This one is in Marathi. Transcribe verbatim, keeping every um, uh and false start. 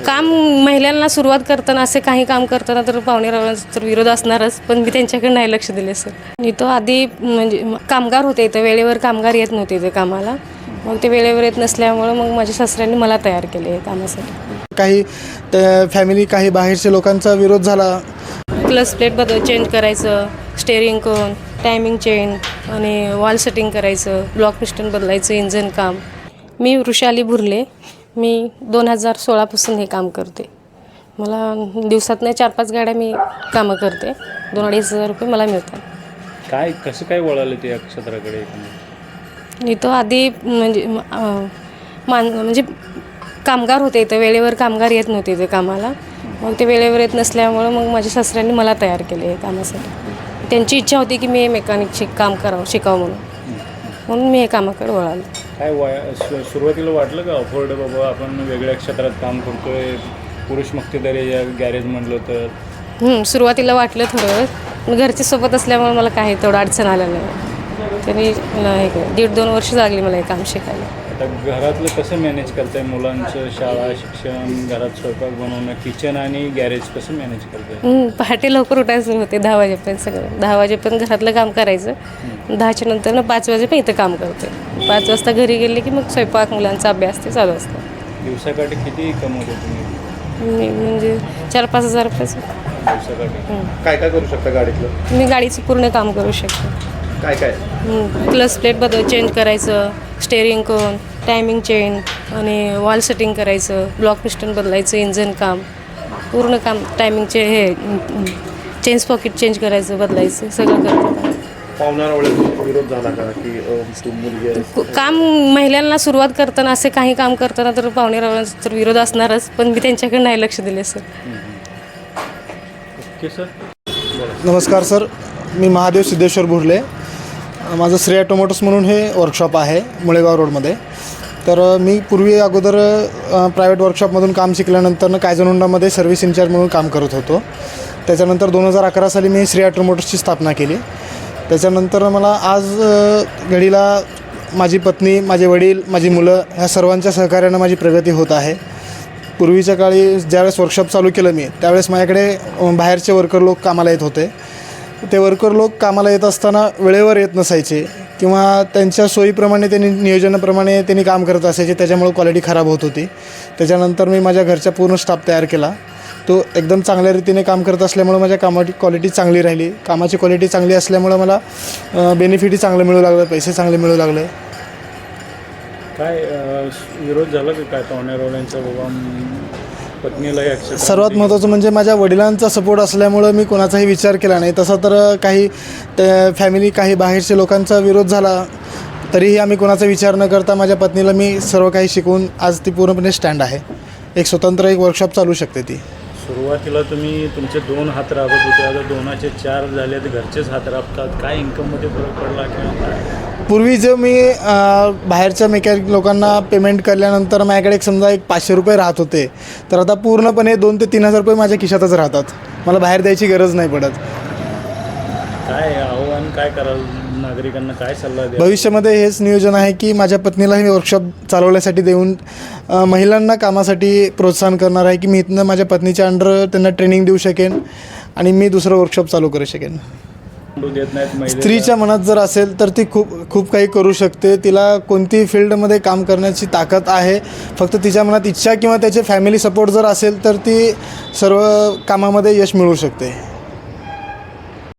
काम महिलांना सुरुवात करताना असे काही काम करताना तर पाहुणेरावांचा तर विरोध असणारच, पण मी त्यांच्याकडे नाही लक्ष दिले सर. मी तो आधी म्हणजे कामगार होते इथं, वेळेवर कामगार येत नव्हते इथे कामाला. मग ते वेळेवर येत नसल्यामुळं मग माझ्या सासऱ्यांनी मला तयार केले कामासाठी. काही फॅमिली काही बाहेरच्या लोकांचा विरोध झाला. क्लच प्लेट बदल चेंज करायचं, स्टेअरिंग कोन, टायमिंग चेंज आणि वॉल सेटिंग करायचं, ब्लॉक पिस्टन बदलायचं, इंजन काम. मी वृषाली भुरले. मी दोन हजार सोळापासून हे काम करते. मला दिवसातनं चार पाच गाड्या मी कामं करते. दोन अडीच हजार रुपये मला मिळतात. काय कसं काय वळालं ते या क्षेत्राकडे? मी तो आधी म्हणजे मान म्हणजे कामगार होते इथं, वेळेवर कामगार येत नव्हते इथे कामाला. मग ते वेळेवर येत नसल्यामुळं मग माझ्या सासऱ्यांनी मला तयार केले कामासाठी. त्यांची इच्छा होती की मी हे मेकॅनिक शिक काम करावं शिकावं म्हणून म्हणून मी हे कामाकडे वळालो. काय वया सु सुरुवातीला वाटलं का अफोर्ड बाबा आपण वेगळ्या क्षेत्रात काम करतोय, पुरुष मक्तेदारी या गॅरेज म्हटलं तर? सुरुवातीला वाटलं थोडं, घरच्या सोबत असल्यामुळे मला काही तेवढं अडचण आलं नाही. तरी हे दीड दोन वर्ष लागली मला हे काम शिकायला. आता घरातलं कसं मॅनेज करताय? मुलांचं शाळा, शिक्षण, घरात स्वयंपाक बनवणं, किचन आणि गॅरेज कसं मॅनेज करताय? पहाटे लवकर उठायचं सुरू होते, दहा वाजेपर्यंत सगळं. दहा वाजेपर्यंत घरातलं काम करायचं. दहाच्या नंतर ना पाच वाजेपर्यंत इथं काम करते. पाच वाजता घरी गेले की मग स्वयंपाक, मुलांचा अभ्यास ते चालू असतं. दिवसाकाठी किती कमवतो तुम्ही? मी म्हणजे चार पाच हजार रुपयाचं दिवसाकाठी. काय काय करू शकता गाडीतलं? मी गाडीचं पूर्ण काम करू शकते. काय काय? क्लच प्लेट बदल चेंज करायचं, स्टेअरिंग कोन, टायमिंग चेंज आणि वॉल सेटिंग करायचं, ब्लॉक पिस्टन बदलायचं, इंजन काम, पूर्ण काम. टायमिंगचे हे चेंज पॉकेट चेंज करायचं, बदलायचं, सगळं करतात. पाहुणारा विरोध झाला का की तू मुलगी आहे? काम महिलांना सुरुवात करताना असे काही काम करताना तर पाहुणेरावांचा तर विरोध असणारच, पण मी त्यांच्याकडे नाही लक्ष दिले सर. Okay sir. नमस्कार सर, मी महादेव सिद्धेश्वर भुरले. माझं श्री ऑटोमोटर्स म्हणून हे वर्कशॉप आहे मुळेगाव रोडमध्ये. तर मी पूर्वी अगोदर प्रायव्हेट वर्कशॉपमधून काम शिकल्यानंतर कायझन होंडामध्ये सर्व्हिस इन्चार्ज म्हणून काम करत होतो. त्याच्यानंतर दोन हजार अकरा साली मी श्री ऑटोमोटर्सची स्थापना केली. त्याच्यानंतर मला आज घडीला माझी पत्नी, माझे वडील, माझी मुलं ह्या सर्वांच्या सहकार्यानं माझी प्रगती होत आहे. पूर्वीच्या काळी ज्यावेळेस वर्कशॉप चालू केलं मी, त्यावेळेस माझ्याकडे बाहेरचे वर्कर लोक कामाला येत होते. ते वर्कर लोक कामाला येत असताना वेळेवर येत नसायचे किंवा त्यांच्या सोयीप्रमाणे त्यांनी नियोजनाप्रमाणे त्यांनी काम करत असायचे, त्याच्यामुळे क्वालिटी खराब होत होती. त्याच्यानंतर मी माझ्या घरच्या पूर्ण स्टाफ तयार केला. तो एकदम चांगल्या रीतीने काम करत असल्यामुळं माझ्या कामाची क्वालिटी चांगली राहिली. कामाची क्वालिटी चांगली असल्यामुळं मला बेनिफिटही चांगलं मिळू लागलं, पैसे चांगले मिळू लागले. काय विरोध झाला की काय पाहुणेरावांचा बाबा पत्नीला? सर्वात महत्त्वाचं म्हणजे माझ्या वडिलांचा सपोर्ट असल्यामुळं मी कोणाचाही विचार केला नाही. तसा तर काही फॅमिली काही बाहेरच्या लोकांचा विरोध झाला, तरीही आम्ही कोणाचा विचार न करता माझ्या पत्नीला मी सर्व काही शिकवून आज ती पूर्णपणे स्टँड आहे. एक स्वतंत्र एक वर्कशॉप चालू शकते ती. सुरुवातीला तुम्ही तुमचे दोन हात राबत होते, आता दोनाचे चार झाले, तर घरचेच हात राबतात. काय इन्कममध्ये फरक पडला किंवा काय? पूर्वी जो मी बाहेरच्या मेकॅनिक लोकांना पेमेंट केल्यानंतर माझ्याकडे एक समजा एक पाचशे रुपये राहत होते, तर आता पूर्णपणे दोन ते तीन हजार रुपये माझ्या खिशातच राहतात. मला बाहेर द्यायची गरज नाही पडत. काय आव्हान काय कराल नागरिकांना, काय सल्ला द्या? भविष्यामध्ये हेच नियोजन आहे की माझ्या पत्नीला मी वर्कशॉप चालवण्यासाठी देऊन महिलांना कामासाठी प्रोत्साहन करणार आहे की मी इथनं माझ्या पत्नीच्या अंडर त्यांना ट्रेनिंग देऊ शकेन आणि मी दुसरं वर्कशॉप चालू करू शकेन. देत नाहीत स्त्रीच्या मनात जर असेल तर ती खूप खूप काही करू शकते. तिला कोणतीही फील्डमध्ये काम करण्याची ताकद आहे. फक्त तिच्या मनात इच्छा किंवा त्याचे फॅमिली सपोर्ट जर असेल तर ती सर्व कामामध्ये यश मिळवू शकते.